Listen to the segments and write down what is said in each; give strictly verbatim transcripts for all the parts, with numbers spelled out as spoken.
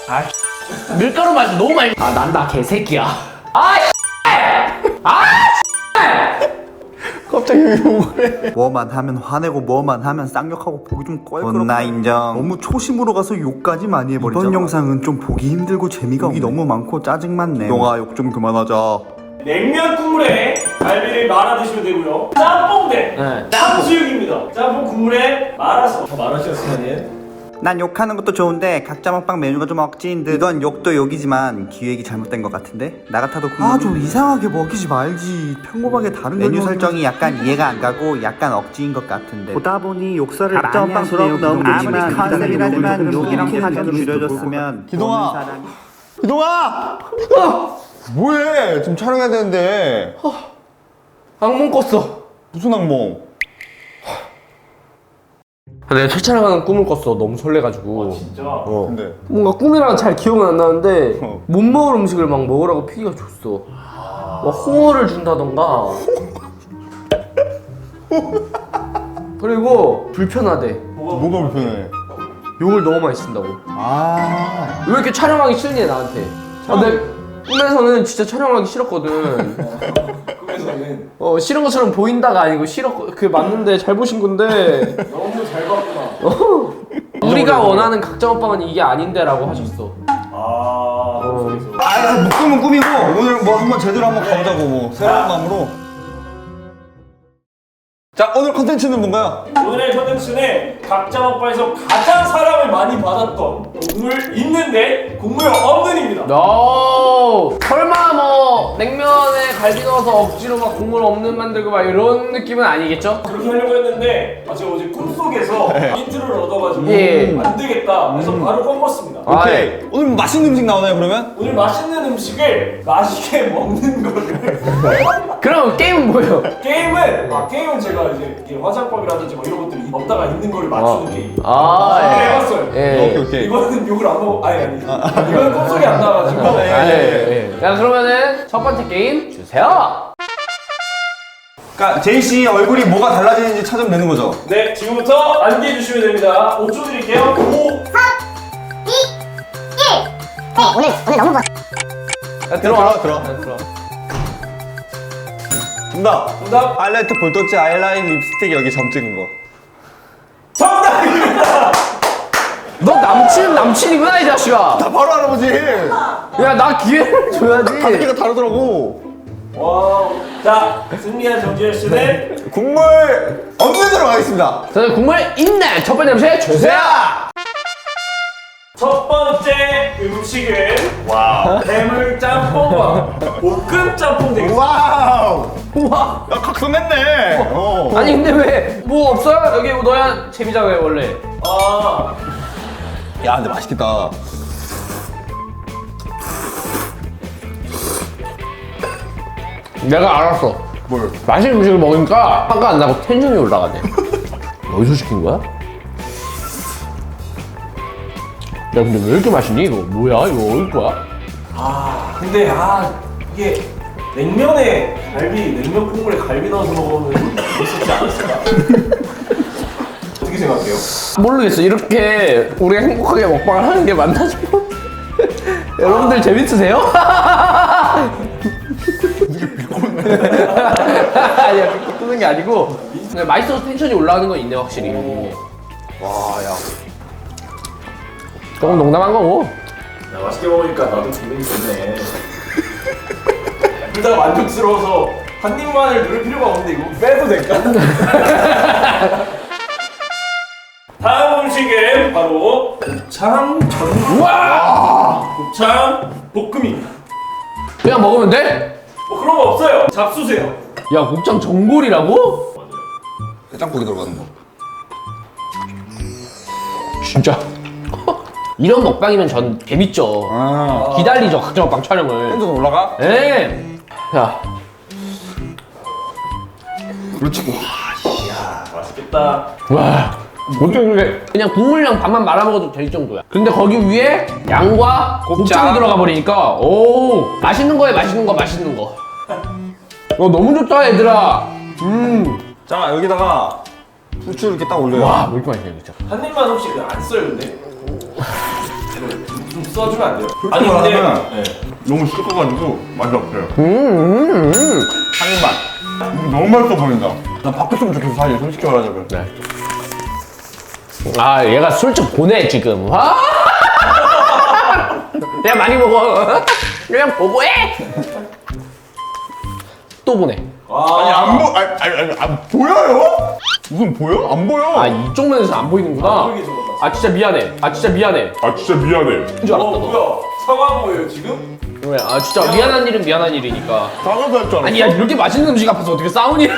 아 밀가루 맛이 너무 많이. 아 난다 개새끼야. 아 아. 갑자기 왜 욕을 해? 뭐만 하면 화내고 뭐만 하면 쌍욕하고 보기 좀 껄끄럽고 나 인정. 너무 초심으로 가서 욕까지 많이 해버리잖아. 이번 영상은 좀 보기 힘들고 재미가 없네. 너무 많고 짜증 많네. 너가 욕 좀 그만하자. 냉면 국물에 갈비를 말아 드시면 되고요. 짬뽕 대 네. 탕수육입니다. 짬뽕 국물에 말아서 더 말아주셨으면. 난 욕하는 것도 좋은데 각자 먹방 메뉴가 좀 억지인 듯. 이건 욕도 욕이지만 기획이 잘못된 것 같은데? 나 같아도 아 좀 이상하게 먹이지 말지. 평범하게 다른 메뉴 설정이 약간 이해가 안 가고 약간 억지인 것 같은데 보다 보니 욕설을 많이 하시네요. 아무리 컨셉이라지만 욕이랑 사전 줄여줬으면 기동아! 보는 사람이... 기동아! 뭐해? 지금 촬영해야 되는데. 악몽 꿨어. 무슨 악몽? 내가 첫 촬영하는 꿈을 꿨어. 너무 설레가지고. 아 진짜? 어. 근데 뭔가 꿈이랑 잘 기억은 안 나는데 어. 못 먹을 음식을 막 먹으라고 피기가 줬어. 막 홍어를 준다던가. 그리고 불편하대. 뭐가 불편해? 욕을 너무 많이 쓴다고. 아. 왜 이렇게 촬영하기 싫니 나한테? 아, 내 꿈에서는 진짜 촬영하기 싫었거든. 꿈에서는 어 싫은 것처럼 보인다가 아니고 싫었 그 맞는데 잘 보신 건데. 너무 잘 봤구나. 어. 우리가 원하는 각자 먹방은 이게 아닌데라고 하셨어. 아 그래서 아, 묶으면 꿈이고 오늘 뭐 한번 제대로 한번 가보자고 뭐 새로운 마음으로. 자, 오늘 컨텐츠는 뭔가요? 오늘의 컨텐츠는 각자 먹방에서 가장 사랑을 많이 받았던 국물 있는데 국물 없는입니다. No. 설마 뭐 냉면에 갈비 넣어서 억지로 막 국물 없는 만들고 막 이런 느낌은 아니겠죠? 그렇게 하려고 했는데 아, 제가 어제 꿈속에서 힌트를 얻어가지고 예. 안 되겠다 그래서 바로 꺾었습니다. 아, 오케이. 예. 오늘 맛있는 음식 나오나요, 그러면? 오늘 맛있는 음식을 맛있게 먹는 거를 그럼 게임은 뭐예요? 게임은 아 게임은 제가 이제 이게 화장법이라든지 뭐 이런 것들이 없다가 있는 걸 맞추는 게임. 아, 아, 예. 해봤어요. 예. 오케이, 오케이. 이거는 욕을 안 먹어. 아니 아니. 이거는 꿈속에 안 나와가지고. 아, 예, 예. 자 그러면은 첫 번째 게임 주세요. 그러니까 제이 씨 얼굴이 뭐가 달라지는지 찾으면 되는 거죠? 네 지금부터 안기해 주시면 됩니다. 오 초 드릴게요. 오. 네, 오늘 오늘 너무 뭐 자, 들어와. 들어, 들어. 자, 들어와. 정답. 정답. 하이라이트 볼터치 아이라인 립스틱 여기 점 찍은 거. 정답입니다. 너 남친은 남친이구나 이 자식아. 다 바로 알아보지. 야 나 기회를 줘야지. 가격대가 다르더라고. 와. 자 승리한 정지현 씨는 국물 없는 대로 가겠습니다. 자 국물 있네. 첫 번째 음식 주세요. 첫 번째 음식은 와 해물 짬뽕과 볶음 짬뽕 되겠습니다. 와우. 우와. 야, 각성했네. 어. 아니 근데 왜 뭐 없어요? 여기 너야 재미잖아요 원래. 아 야, 근데 맛있겠다. 내가 알았어. 뭘? 맛있는 음식을 먹으니까 화가 안 나고 텐션이 올라가네. 어디서 시킨 거야? 야 근데 왜 이렇게 맛있니 이거? 뭐야 이거 어디 거야? 아 근데 아 이게 냉면에 갈비 냉면 국물에 갈비 넣어서 먹으면 맛있지 않았을까? 어떻게 생각해요? 모르겠어. 이렇게 우리가 행복하게 먹방을 하는 게 맞나 싶어. 여러분들 재밌으세요? 아니야 그렇게 끄는 게 아니고 그냥 맛있어서 텐션이 올라가는 건 있네 확실히. 와, 야. 조금 농담한 거고. 야, 맛있게 먹으니까 나도 기분이 좋네. 둘 다 만족스러워서 한 입만을 누를 필요가 없는데 이거 빼도 될까? 다음 음식은 바로 곱창 전. 우와! 곱창 볶음입니다. 그냥 먹으면 돼? 뭐 그런 거 없어요. 잡수세요. 야 곱창 전골이라고? 해장국이 들어가는 거. 진짜 이런 먹방이면 전 재밌죠. 아. 기다리죠 각자 먹방 촬영을. 텐션 올라가? 예. 자 그렇지. 맛있겠다. 와 어떻게 그게 그냥 국물랑 밥만 말아 먹어도 될 정도야. 근데 거기 위에 양과 곱창. 곱창이 들어가 버리니까 오 맛있는 거에 맛있는 거 맛있는 거. 어 너무 좋다 얘들아. 음. 자, 여기다가 후추 이렇게 딱 올려요. 와 왜 이렇게 맛있냐 진짜. 한 입만 혹시 안 써요 근데? 좀 써주면 안 돼요? 솔직히 말하면 네. 너무 씹어가지고 맛이 없어요. 음, 음, 음. 한입만. 음, 너무 맛있어 보인다. 나 바뀌었으면 좋겠어, 사실. 솔직히 말하자면. 네. 아, 얘가 술 좀 보내, 지금. 아! 그냥 많이 먹어. 그냥 보고해! 또 보내. 아니, 안 보, 아니, 아니, 아니, 안 보여요? 무슨 보여? 안 보여. 아, 이쪽 면에서 안 보이는구나. 안 보이게 적어놨어. 아, 진짜 미안해. 아, 진짜 미안해. 아 진짜 미안해. 인 줄 알았다, 어 너. 뭐야 사과한 거예요 지금? 왜? 아, 진짜 미안한 일은 미안한 일이니까. 작아서 할 줄 알았어. 아니, 야, 이렇게 맛있는 음식 앞에서 어떻게 싸우냐?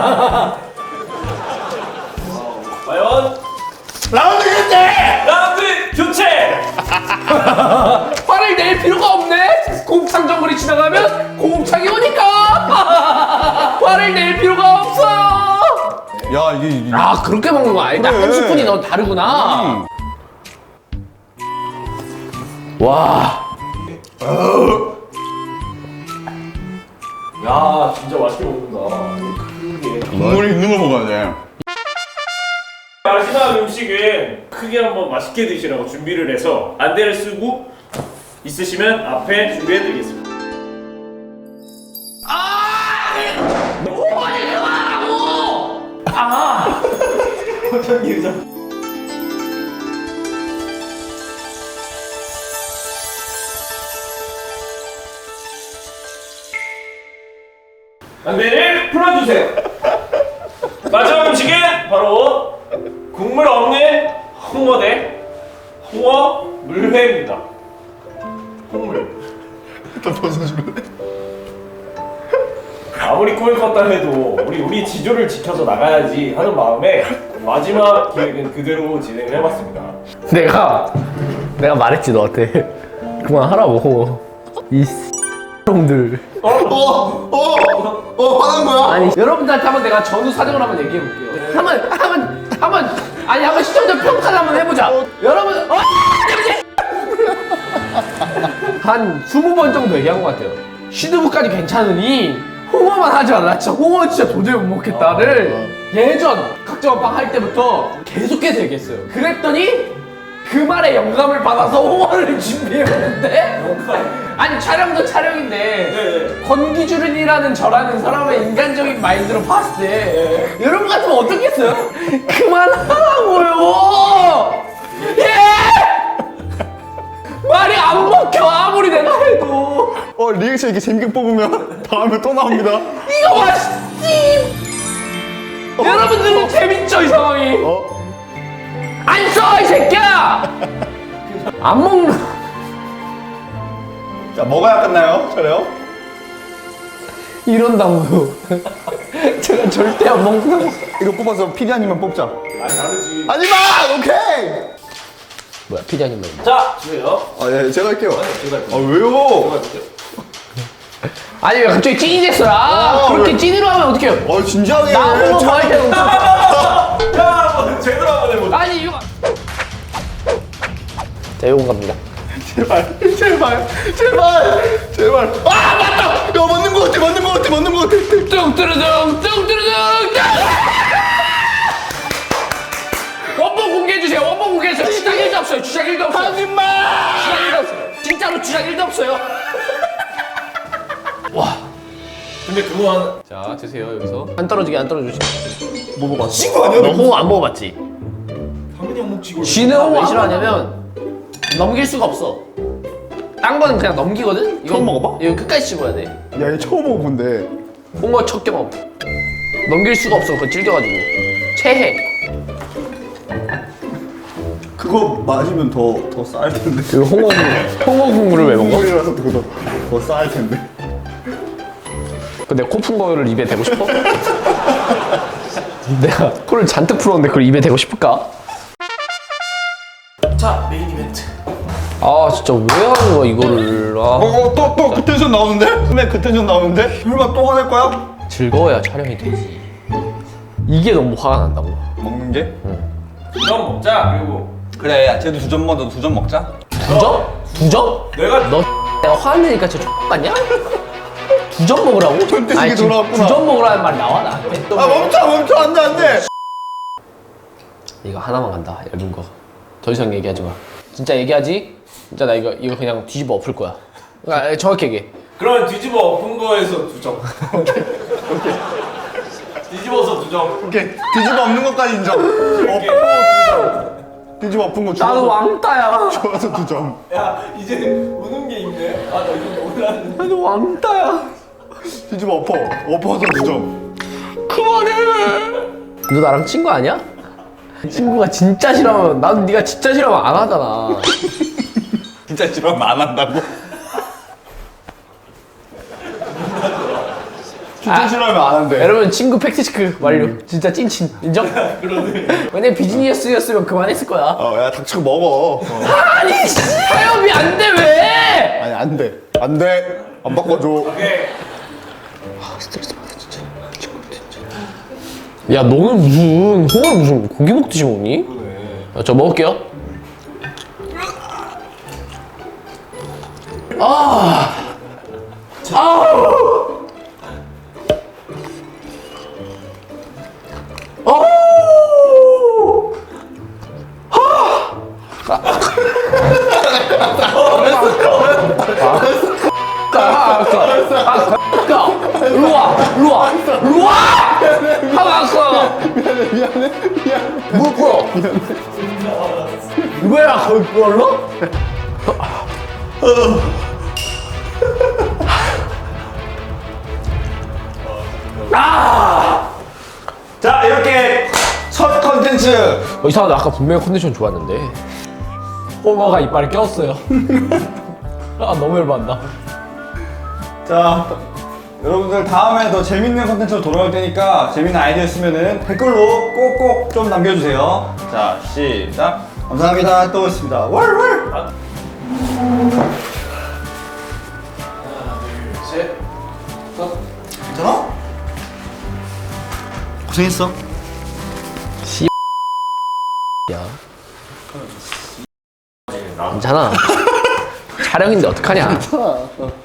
과연 라운드 교체! 라운드 교체! 화를 낼 필요가 없네? 곱창 정글이 지나가면 곱창이 오니까! 화를 낼 필요가 없어요! 야, 이게, 이게. 아, 그렇게 먹는 거 아니다. 그래. 한 스푼이 너 다르구나. 와. 야 진짜 맛있게 먹는다 크게 국물이 있는 걸 먹어야 돼. 마지막 음식은 크게 한번 맛있게 드시라고 준비를 해서 안대를 쓰고 있으시면 앞에 준비해드리겠습니다. 안대를 풀어주세요. 마지막 음식은 바로 국물 없는 홍어 대 홍어 물회입니다. 홍물. 일단 벗어줄래? 아무리 꿈을 꿨다 해도 우리 우리 지조를 지켜서 나가야지 하는 마음에 마지막 기획은 그대로 진행을 해봤습니다. 내가, 내가 말했지, 너한테. 그만하라고. 이 놈들. 어, 어, 어, 화난 거야? 아니, 여러분들한테 한번 내가 전후 사정을 한번 얘기해볼게요. 한번, 한번, 한번, 아니, 한번 시청자 평가를 한번 해보자. 여러분, 어! 한 스무 번 정도 얘기한 것 같아요. 시드부까지 괜찮으니 홍어만 하지 말라. 진짜 홍어 진짜 도저히 못 먹겠다를 예전 각자원빵 할 때부터 계속해서 얘기했어요. 그랬더니 그 말에 영감을 받아서 홍어를 준비해봤는데 아니 촬영도 촬영인데 네. 권기주른이라는 저라는 사람의 인간적인 마인드로 봤을 때 여러분 같으면 어떻겠어요? 그만하라고요! 예! 말이 안 먹혀 아무리 내가 해도 어, 리액션 이렇게 재밌게 뽑으면 다음에 또 나옵니다. 이거 맛있지! 여러분들은 재밌죠 이 상황이? 어? 안 써 이 새끼야! 안 먹는 자, 먹어야 끝나요? 저래요? 이런다고요. 제가 절대 안 먹는 이거 뽑아서 피디아님만 뽑자. 아니 다르지. 하지마! 오케이! 뭐야 피디아님 말 자 주세요. 아, 예, 제가 할게요. 제가 아, 왜요? 아니 왜 갑자기 찐이 됐어요? 아, 어, 그렇게 왜? 찐으로 하면 어떡해요? 어, 진지하게. 나 홍어 참- 좋아할 때는 엄청 야 한번 제대로 한번 해보자. 아니 이거 자 이건 갑니다. 제발, 제발, 제발, 제발. 아, 맞다! 야, 맞는 거 같아, 맞는 거 같아, 맞는 거 같아. 뚱뚜루둥 뚱뚜루둥 원본 공개해주세요. 원본 공개해주세요. 주작 일도 없어요. 주작 일도 없어요. 하지마! 주작 일도 없어요. 진짜로 주작 일도 없어요. 와. 근데 그거 한 자 드세요 여기서 안 떨어지게 안 떨어지게. 뭐 먹었어? 친구 아니야? 너 홍어 안 먹어봤지? 당연히 안 먹지 이거. 쥐는 홍어 왜 싫어하냐면 넘길 수가 없어. 딴 거는 그냥 넘기거든? 이거 처음 먹어봐? 이거 끝까지 씹어야 돼. 야, 얘 처음 먹어본데. 홍어 첫 경험. 넘길 수가 없어. 그거 질겨가지고. 체해. 그거 마시면 더, 더 쌀 텐데. 그 홍어 홍어 국물을 왜 먹어? 국물이라서 그거 더 쌀 텐데. 근데 코 푼 거를 입에 대고 싶어? 내가 코를 잔뜩 풀었는데 그걸 입에 대고 싶을까? 자 메인 이벤트. 아 진짜 왜 하는 거야 이거를. 아. 어, 또, 또 그 텐션 나오는데? 근데 그 텐션 나오는데? 설마 또 화낼 거야? 즐거워야 촬영이 되지. 이게 너무 화가 난다고. 먹는 게? 두점 먹자. 그리고 그래, 야채도 두 점 먹어, 두 점 먹자. 두 점? 두 점? 내가 너 내가 화내니까 진짜 X 같냐? 두 점 먹으라고? 절대식이 아니, 지금 돌아왔구나. 두 점 먹으라는 말이 나와 나한테? 아, 멈춰, 멈춰, 안 돼, 안 돼! 이거 하나만 간다 얇은 거. 더 이상 얘기하지 마. 진짜 얘기하지? 진짜 나 이거 이거 그냥 뒤집어 엎을 거야. 아, 정확히 얘기해. 그러면 뒤집어 엎은 거에서 두 점. 오케이. 오케이. 뒤집어서 두 점. 오케이 뒤집어 엎는 것까지 인정. 엎고 뒤집어 엎은 거 나도 좋아서 왕따야. 좋아서 두 점. 야 이제 우는 게 있네. 아나 이거 몰랐는데. 나도 왕따야. 뒤집어 엎어 엎어서 두 점. 그만해. 너 나랑 친구 아니야? 친구가 진짜 싫어하면 나도 네가 진짜 싫어하면 안 하잖아. 진짜 싫어하면 안 한다고? 진짜 싫어하면 안 한대. 여러분 친구 팩트체크 완료. 진짜 찐친 인정? 그러네. 만약 비즈니스였으면 그만했을 거야. 어야 닥쳐 먹어. 어. 아니 씨, 타협이 안 돼 왜? 아니 안돼 안돼 안 바꿔줘. 오케이. 스트레스 받아 진짜. 야 너는 무슨 홍어 무슨 고기 먹듯이 먹니? 아, 저 먹을게요. 아, 아우, 아우, 아, 아, 일로 와, 일로 와, 일로 와! 하고 왔어. 미안해 미안해 미안해. 뭘 보여? 이거야 거의 그걸로? 자 이렇게 첫 컨텐츠 어, 이상하다. 아까 분명히 컨디션 좋았는데 홍어가 이빨에 꼈어요. 아 너무 열받는다. 자 여러분들 다음에 더 재밌는 컨텐츠로 돌아올 테니까 재밌는 아이디어 있으면은 댓글로 꼭꼭 좀 남겨주세요. 자 시작. 감사합니다. 또 오겠습니다. 월월. 셋. 괜찮아? 고생했어. 야, 괜찮아. 촬영인데 어떡하냐?